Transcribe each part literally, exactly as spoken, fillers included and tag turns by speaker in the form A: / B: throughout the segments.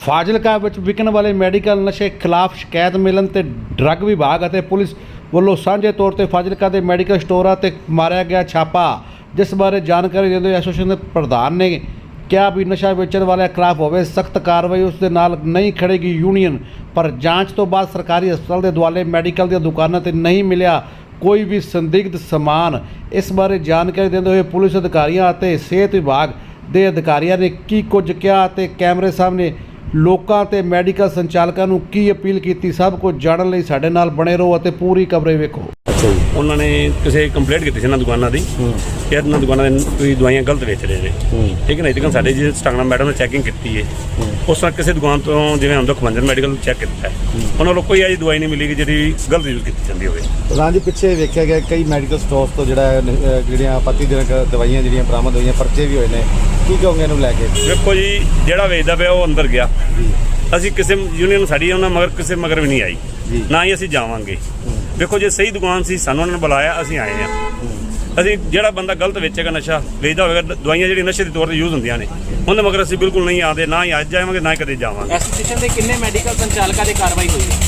A: ਫਾਜ਼ਿਲਕਾ ਵਿੱਚ ਵਿਕਣ ਵਾਲੇ ਮੈਡੀਕਲ ਨਸ਼ੇ ਖਿਲਾਫ ਸ਼ਿਕਾਇਤ ਮਿਲਣ ਤੇ ਡਰੱਗ ਵਿਭਾਗ ਅਤੇ ਪੁਲਿਸ ਵੱਲੋਂ ਸਾਂਝੇ ਤੌਰ ਤੇ ਫਾਜ਼ਿਲਕਾ ਦੇ ਮੈਡੀਕਲ ਸਟੋਰਾਂ ਤੇ ਮਾਰਿਆ ਗਿਆ ਛਾਪਾ, ਜਿਸ ਬਾਰੇ ਜਾਣਕਾਰੀ ਦਿੰਦੇ ਹੋਏ ਐਸੋਸੀਏਸ਼ਨ ਦੇ ਪ੍ਰਧਾਨ ਨੇ ਕਿਹਾ ਵੀ ਨਸ਼ਾ ਵੇਚਣ ਵਾਲਿਆਂ ਖਿਲਾਫ ਹੋਵੇ ਸਖਤ ਕਾਰਵਾਈ। ਉਸ ਦੇ ਨਾਲ ਨਹੀਂ ਖੜੇਗੀ ਯੂਨੀਅਨ। ਪਰ ਜਾਂਚ ਤੋਂ ਬਾਅਦ ਸਰਕਾਰੀ ਹਸਪਤਾਲ ਦੇ ਦੁਆਲੇ ਮੈਡੀਕਲ ਦੀਆਂ ਦੁਕਾਨਾਂ ਤੇ ਨਹੀਂ ਮਿਲਿਆ ਕੋਈ ਵੀ ਸੰਦਿਗਧ ਸਮਾਨ। ਇਸ ਬਾਰੇ ਜਾਣਕਾਰੀ ਦਿੰਦੇ ਹੋਏ ਪੁਲਿਸ ਅਧਿਕਾਰੀਆਂ ਅਤੇ ਸਿਹਤ ਵਿਭਾਗ ਦੇ ਅਧਿਕਾਰੀਆਂ ਨੇ ਕੀ ਕੁਝ ਕਿਹਾ ਤੇ ਕੈਮਰੇ ਸਾਹਮਣੇ ਲੋਕਾਂ ਤੇ ਮੈਡੀਕਲ ਸੰਚਾਲਕਾਂ ਨੂੰ ਕੀ ਅਪੀਲ ਕੀਤੀ, ਸਭ ਕੁਝ ਜਾਣਨ ਲਈ ਸਾਡੇ ਨਾਲ ਬਣੇ ਰਹੋ ਅਤੇ ਪੂਰੀ ਕਵਰੇਜ ਵੇਖੋ।
B: ਉਹਨਾਂ ਨੇ ਕਿਸੇ ਕੰਪਲੇਂਟ ਕੀਤੀ ਸੀ ਇਹਨਾਂ ਦੁਕਾਨਾਂ ਦੀ ਕਿ ਇਹਨਾਂ ਦੁਕਾਨਾਂ ਦੇ ਕੋਈ ਦਵਾਈਆਂ ਗਲਤ ਵੇਚ ਰਹੇ ਨੇ, ਠੀਕ ਹੈ ਨਾ। ਇਤਕਾਂ ਸਾਡੇ ਜੀ ਸਟਾਂਗਣਾ ਮੈਡਮ ਨੇ ਚੈਕਿੰਗ ਕੀਤੀ ਹੈ, ਉਸ ਤਰ੍ਹਾਂ ਕਿਸੇ ਦੁਕਾਨ ਤੋਂ ਜਿਵੇਂ ਹੁੰਦਾ ਖਵੰਜਨ ਮੈਡੀਕਲ ਚੈੱਕ ਕੀਤਾ ਹੈ, ਉਹਨਾਂ ਵੱਲੋਂ ਕੋਈ ਅਜਿਹੀ ਦਵਾਈ ਨਹੀਂ ਮਿਲੀ ਕਿ ਜਿਹੜੀ ਗਲਤ ਯੂਜ਼ ਕੀਤੀ ਜਾਂਦੀ ਹੋਵੇ।
C: ਪ੍ਰਧਾਨ ਜੀ, ਪਿੱਛੇ ਵੇਖਿਆ ਗਿਆ ਕਈ ਮੈਡੀਕਲ ਸਟੋਰਸ ਤੋਂ ਜਿਹੜਾ ਜਿਹੜੀਆਂ ਆਪੱਤੀਜਨਕ ਦਵਾਈਆਂ ਜਿਹੜੀਆਂ ਬਰਾਮਦ ਹੋਈਆਂ ਪਰਚੇ ਵੀ ਹੋਏ ਨੇ, ਕੀ ਕਹੋਗੇ ਇਹਨੂੰ ਲੈ ਕੇ?
B: ਵੇਖੋ ਜੀ, ਜਿਹੜਾ ਵੇਚਦਾ ਪਿਆ ਉਹ ਅੰਦਰ ਗਿਆ, ਅਸੀਂ ਕਿਸੇ ਯੂਨੀਅਨ ਸਾਡੀ ਉਹਨਾਂ ਮਗਰ ਕਿਸੇ ਮਗਰ ਵੀ ਨਹੀਂ ਆਈ, ਨਾ ਹੀ ਅਸੀਂ ਜਾਵਾਂਗੇ। ਵੇਖੋ ਜੇ ਸਹੀ ਦੁਕਾਨ ਸੀ ਸਾਨੂੰ ਉਹਨਾਂ ਨੇ ਬੁਲਾਇਆ, ਅਸੀਂ ਆਏ ਹਾਂ। ਅਸੀਂ ਜਿਹੜਾ ਬੰਦਾ ਗਲਤ ਵੇਚੇਗਾ, ਨਸ਼ਾ ਵੇਚਦਾ ਹੋਵੇਗਾ, ਦਵਾਈਆਂ ਜਿਹੜੀਆਂ ਨਸ਼ੇ ਦੇ ਤੌਰ ਤੇ ਯੂਜ਼ ਹੁੰਦੀਆਂ ਨੇ, ਉਹਦੇ ਮਗਰ ਅਸੀਂ ਬਿਲਕੁਲ ਨਹੀਂ ਆਉਂਦੇ, ਨਾ ਹੀ ਅੱਜ ਜਾਵਾਂਗੇ ਨਾ ਹੀ ਕਦੇ ਜਾਵਾਂਗੇ।
D: ਐਸੋਸੀਏਸ਼ਨ ਦੇ ਕਿੰਨੇ ਮੈਡੀਕਲ ਸੰਚਾਲਕਾਂ ਦੇ ਕਾਰਵਾਈ ਹੋਈ ਹੈ?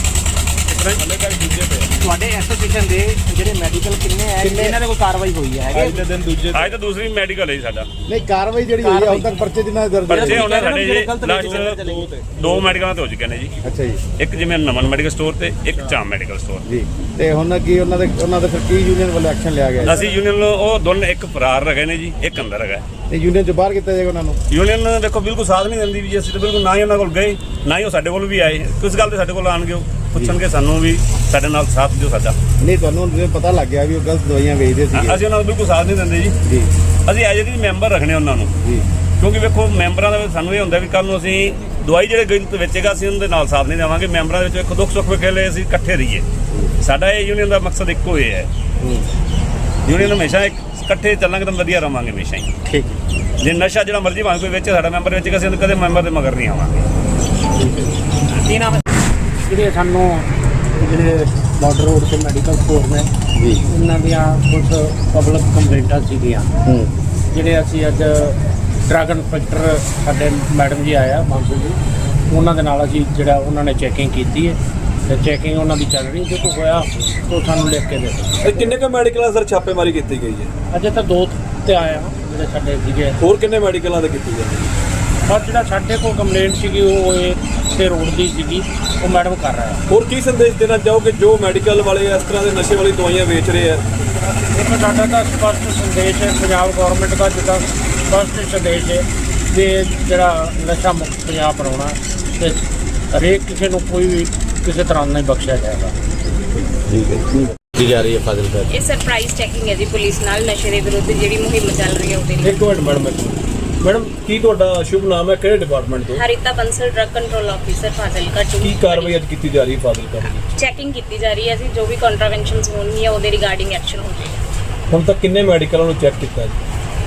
D: ਤੁਹਾਡੇ ਐਸੋਸੀਏਸ਼ਨ ਦੇ ਜਿਹੜੇ ਮੈਡੀਕਲ ਕਿੰਨੇ ਹੈ ਇਹਨਾਂ ਦੇ ਕੋਈ ਕਾਰਵਾਈ ਹੋਈ ਹੈ?
C: ਅੱਜ ਦੇ ਦਿਨ ਦੂਜੇ
B: ਅੱਜ ਤਾਂ ਦੂਸਰੀ ਮੈਡੀਕਲ ਹੈ ਸਾਡਾ।
C: ਨਹੀਂ, ਕਾਰਵਾਈ ਜਿਹੜੀ ਹੋਈ ਹੈ ਹੁਣ ਤੱਕ ਪਰਚੇ ਜਿੰਨਾ ਦਰਜ
B: ਪਰਚੇ ਉਹਨਾਂ ਸਾਡੇ ਜੀ ਲਾਸਟ ਦੋ ਮੈਡੀਕਲਾਂ ਤੇ ਹੋ ਚੁੱਕੇ ਨੇ ਜੀ।
C: ਅੱਛਾ ਜੀ।
B: ਇੱਕ ਜਿਵੇਂ ਨਮਨ ਮੈਡੀਕਲ ਸਟੋਰ ਤੇ ਇੱਕ ਚਾਮ ਮੈਡੀਕਲ ਸਟੋਰ
C: ਜੀ। ਤੇ ਹੁਣ ਕੀ ਉਹਨਾਂ ਦੇ ਉਹਨਾਂ ਦੇ ਫਿਰ ਕੀ ਯੂਨੀਅਨ ਵੱਲੋਂ ਐਕਸ਼ਨ ਲਿਆ ਗਿਆ?
B: ਅਸੀਂ ਯੂਨੀਅਨ ਉਹ ਦੋਨੇ, ਇੱਕ ਫਰਾਰ ਹੈਗੇ ਨੇ ਜੀ, ਇੱਕ ਅੰਦਰ ਹੈਗਾ।
C: ਤੇ ਯੂਨੀਅਨ ਚ ਬਾਹਰ ਕੀਤਾ ਜਾਏਗਾ ਉਹਨਾਂ ਨੂੰ?
B: ਯੂਨੀਅਨ ਦੇਖੋ ਬਿਲਕੁਲ ਸਾਥ ਨਹੀਂ ਦਿੰਦੀ ਵੀ, ਅਸੀਂ ਤਾਂ ਬਿਲਕੁਲ ਨਾ ਹੀ ਉਹਨਾਂ ਕੋਲ ਗਏ, ਨਾ ਹੀ ਉਹ ਸਾਡੇ ਕੋਲ ਵੀ ਆਏ। ਕਿਸ ਗੱਲ ਤੇ ਸਾਡੇ ਕੋਲ ਆਣਗੇ, ਉਹ ਪੁੱਛਣਗੇ ਸਾਨੂੰ ਵੀ ਸਾਡੇ ਨਾਲ ਸਾਥ ਦਿਓ ਸਾਡਾ।
C: ਨਹੀਂ, ਤੁਹਾਨੂੰ ਜਿਵੇਂ ਪਤਾ ਲੱਗ ਗਿਆ ਵੀ ਉਹ ਗਲਤ ਦਵਾਈਆਂ ਵੇਚਦੇ ਸੀ,
B: ਅਸੀਂ ਉਹਨਾਂ ਨੂੰ ਬਿਲਕੁਲ ਸਾਥ ਨਹੀਂ ਦਿੰਦੇ ਜੀ।
C: ਜੀ।
B: ਅਸੀਂ ਐਜ ਦੀ ਮੈਂਬਰ ਰੱਖਣੇ ਉਹਨਾਂ ਨੂੰ
C: ਜੀ,
B: ਕਿਉਂਕਿ ਵੇਖੋ ਮੈਂਬਰਾਂ ਦਾ ਸਾਨੂੰ ਇਹ ਹੁੰਦਾ ਵੀ ਕੱਲ ਨੂੰ ਅਸੀਂ ਦਵਾਈ ਜਿਹੜੇ ਗਲਤ ਵੇਚੇਗਾ ਅਸੀਂ ਉਹਦੇ ਨਾਲ ਸਾਥ ਨਹੀਂ ਦੇਵਾਂਗੇ। ਮੈਂਬਰਾਂ ਦੇ ਵਿੱਚ ਇੱਕ ਦੁੱਖ ਸੁੱਖ ਵੇਖੇ ਅਸੀਂ ਇਕੱਠੇ ਰਹੀਏ। ਸਾਡਾ ਇਹ ਯੂਨੀਅਨ ਦਾ ਮਕਸਦ ਇੱਕੋ ਹੀ ਹੈ, ਯੂਨੀਅਨ ਹਮੇਸ਼ਾ ਇਕੱਠੇ ਚੱਲਾਂਗੇ ਤਾਂ ਵਧੀਆ ਰਵਾਂਗੇ ਹਮੇਸ਼ਾ ਹੀ।
C: ਠੀਕ।
B: ਜੇ ਨਸ਼ਾ ਜਿਹੜਾ ਮਰਜ਼ੀ ਭਾਵੇਂ ਕੋਈ ਵੇਚੇ, ਸਾਡਾ ਮੈਂਬਰ ਵੇਚੇਗਾ, ਅਸੀਂ ਕਦੇ ਮੈਂਬਰ ਦੇ ਮਗਰ ਨਹੀਂ ਆਵਾਂਗੇ।
D: ਕੀ ਨਾਮ ਹੈ?
E: ਜਿਹੜੇ ਸਾਨੂੰ ਜਿਹੜੇ ਬਾਰਡਰ ਰੋਡ ਤੇ ਮੈਡੀਕਲ ਸਟੋਰ ਨੇ
C: ਜੀ,
E: ਉਹਨਾਂ ਦੀਆਂ ਕੁਝ ਪਬਲਿਕ ਕੰਪਲੇਂਟਾਂ ਸੀਗੀਆਂ, ਜਿਹੜੇ ਅਸੀਂ ਅੱਜ ਡਰੱਗ ਇੰਸਪੈਕਟਰ ਸਾਡੇ ਮੈਡਮ ਜੀ ਆਇਆ ਬਾਂਸੂ ਜੀ, ਉਹਨਾਂ ਦੇ ਨਾਲ ਅਸੀਂ ਜਿਹੜਾ ਉਹਨਾਂ ਨੇ ਚੈਕਿੰਗ ਕੀਤੀ ਹੈ ਤੇ ਚੈਕਿੰਗ ਉਹਨਾਂ ਦੀ ਚੱਲ ਰਹੀ। ਜੇ ਕੋਈ ਹੋਇਆ ਤਾਂ ਸਾਨੂੰ ਲਿਖ ਕੇ ਦੇ ਦਿਓ।
F: ਕਿੰਨੇ ਕੁ ਮੈਡੀਕਲਾਂ ਸਰ ਛਾਪੇਮਾਰੀ ਕੀਤੀ ਗਈ ਹੈ?
E: ਅਜੇ ਤਾਂ ਦੋ ਤੇ ਆਇਆ ਜਿਹੜੇ ਸਾਡੇ ਸੀਗੇ।
F: ਹੋਰ ਕਿੰਨੇ ਮੈਡੀਕਲਾਂ ਤੇ ਕੀਤੀ ਜਾਂਦੀ ਹੈ?
E: ਪਰ ਜਿਹੜਾ ਸਾਡੇ ਕੋਲ ਕੰਪਲੇਂਟ ਸੀਗੀ ਉਹ ਇਹ ਤੇ ਰੋਡ ਦੀ ਸੀਗੀ, ਉਹ ਮੈਡਮ ਕਰ ਰਿਹਾ ਹੈ।
F: ਹੋਰ ਕੀ ਸੰਦੇਸ਼ ਦੇਣਾ ਚਾਹੋਗੇ ਜੋ ਮੈਡੀਕਲ ਵਾਲੇ ਇਸ ਤਰ੍ਹਾਂ ਦੇ ਨਸ਼ੇ ਵਾਲੀ ਦਵਾਈਆਂ ਵੇਚ ਰਹੇ ਆ?
E: ਇੱਕ ਸਾਡਾ ਤਾਂ ਸਪਸ਼ਟ ਸੰਦੇਸ਼ ਹੈ ਪੰਜਾਬ ਗੌਰਮੈਂਟ ਦਾ, ਜਿੱਦਾਂ ਸਪਸ਼ਟ ਸੰਦੇਸ਼ ਹੈ ਵੀ ਜਿਹੜਾ ਨਸ਼ਾ ਮੁਕਤ ਪੰਜਾਬ ਬਣਾਉਣਾ ਤੇ ਹਰੇਕ ਕਿਸੇ ਨੂੰ ਕੋਈ ਵੀ ਕਿਸੇ ਤਰ੍ਹਾਂ ਨਹੀਂ ਬਖਸ਼ਿਆ ਜਾਏਗਾ।
C: ਠੀਕ ਹੈ। ਕੀ ਜਾ ਰਹੀ ਹੈ ਫਾਜ਼ਿਲਕਾ?
G: ਇਹ ਸਰਪ੍ਰਾਈਜ਼ ਚੈਕਿੰਗ ਹੈ ਜੀ ਪੁਲਿਸ ਨਾਲ ਨਸ਼ੇ ਦੇ ਵਿਰੁੱਧ ਜਿਹੜੀ ਮੁਹਿੰਮ ਚੱਲ ਰਹੀ ਹੈ ਉਹਦੇ ਲਈ।
F: ਇੱਕ ਮਿੰਟ ਮੈਡਮ, ਮੈਡਮ ਕੀ ਤੁਹਾਡਾ ਸ਼ੁਭ ਨਾਮ ਹੈ, ਕਿਹੜੇ ਡਿਪਾਰਟਮੈਂਟ ਤੋਂ?
G: Harita Bansal drug control officer Fazilka ਟੂ।
F: ਕੀ ਕਾਰਵਾਈ ਅੱਜ ਕੀਤੀ ਜਾ ਰਹੀ ਹੈ ਫਾਜ਼ਿਲਕਾ ਵਿੱਚ?
G: ਚੈਕਿੰਗ ਕੀਤੀ ਜਾ ਰਹੀ ਹੈ ਜੀ, ਜੋ ਵੀ ਕੰਟਰਾਵੈਂਸ਼ਨਸ ਹੋਣਗੀਆਂ ਉਹਦੇ ਰਿਗਾਰਡਿੰਗ ਐਕਸ਼ਨ ਹੋਵੇਗਾ।
F: ਹੁਣ ਤੱਕ ਕਿੰਨੇ ਮੈਡੀਕਲਾਂ ਨੂੰ ਚੈੱਕ ਕੀਤਾ ਜੀ?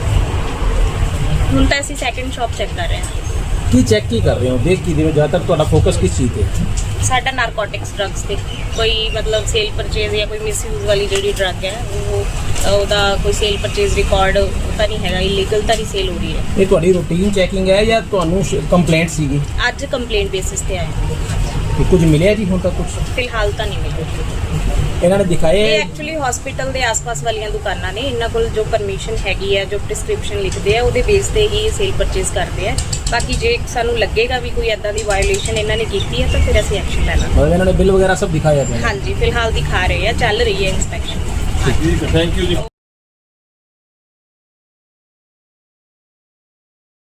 G: ਹੁਣ ਤਾਂ ਅਸੀਂ ਸੈਕਿੰਡ ਸ਼ਾਪ ਚੈੱਕ ਕਰ ਰਹੇ ਹਾਂ।
D: ਕੀ ਚੈੱਕ ਕੀ ਕਰ ਰਹੇ ਹੋ, ਦੇਖ ਕੀ ਰਹੇ ਹੋ? ਜ਼ਿਆਦਾਤਰ ਤੁਹਾਡਾ ਫੋਕਸ ਕਿਸ ਚੀਜ਼ ਤੇ?
G: ਸਾਡਾ ਨਾਰਕੋਟਿਕਸ ਡਰੱਗਸ ਤੇ ਕੋਈ ਮਤਲਬ ਸੇਲ ਪਰਚੇਜ਼ ਜਾਂ ਕੋਈ ਮਿਸਯੂਜ਼ ਵਾਲੀ ਜਿਹੜੀ ਡਰੱਗ ਹੈ ਉਹ ਉਹਦਾ ਕੋਈ ਸੇਲ ਪਰਚੇਜ਼ ਰਿਕਾਰਡ ਤਾਂ ਨਹੀਂ ਹੈਗਾ, ਇਲੀਗਲ ਤਾਂ ਨਹੀਂ ਸੇਲ ਹੋ ਰਹੀ ਹੈ।
D: ਇਹ ਤੁਹਾਡੀ ਰੂਟੀਨ ਚੈਕਿੰਗ ਹੈ ਜਾਂ ਤੁਹਾਨੂੰ ਕੰਪਲੇਂਟ ਸੀਗੀ?
G: ਅੱਜ ਕੰਪਲੇਂਟ ਬੇਸਿਸ ਤੇ ਆਏ।
D: ਕੁਝ ਮਿਲਿਆ ਜੀ ਹੁਣ ਤੱਕ? ਕੁਝ
G: ਫਿਲਹਾਲ ਤਾਂ ਨਹੀਂ ਮਿਲਿਆ।
D: ਇਹਨਾਂ ਨੇ ਦਿਖਾਏ?
G: ਇਹ ਐਕਚੁਅਲੀ ਹਸਪੀਟਲ ਦੇ ਆਸ-ਪਾਸ ਵਾਲੀਆਂ ਦੁਕਾਨਾਂ ਨੇ, ਇਹਨਾਂ ਕੋਲ ਜੋ ਪਰਮਿਸ਼ਨ ਹੈਗੀ ਹੈ, ਜੋ ਪ੍ਰਿਸਕ੍ਰਿਪਸ਼ਨ ਲਿਖਦੇ ਆ ਉਹਦੇ ਬੇਸ ਤੇ ਹੀ ਸੇਲ ਪਰਚੇਜ਼ ਕਰਦੇ ਆ। ਬਾਕੀ ਜੇ ਸਾਨੂੰ ਲੱਗੇਗਾ ਵੀ ਕੋਈ ਐਦਾਂ ਦੀ ਵਾਇਓਲੇਸ਼ਨ ਇਹਨਾਂ ਨੇ ਕੀਤੀ ਹੈ ਤਾਂ ਫਿਰ ਅਸੀਂ ਐਕਸ਼ਨ ਲੈਣਾ।
D: ਮਤਲਬ ਇਹਨਾਂ ਨੇ ਬਿੱਲ ਵਗੈਰਾ ਸਭ ਦਿਖਾਇਆ?
G: ਹਾਂਜੀ, ਫਿਲਹਾਲ ਦਿਖਾ ਰਹੇ ਆ, ਚੱਲ ਰਹੀ ਹੈ ਇਨਸਪੈਕਸ਼ਨ।
F: ਠੀਕ ਹੈ, ਥੈਂਕ ਯੂ ਜੀ।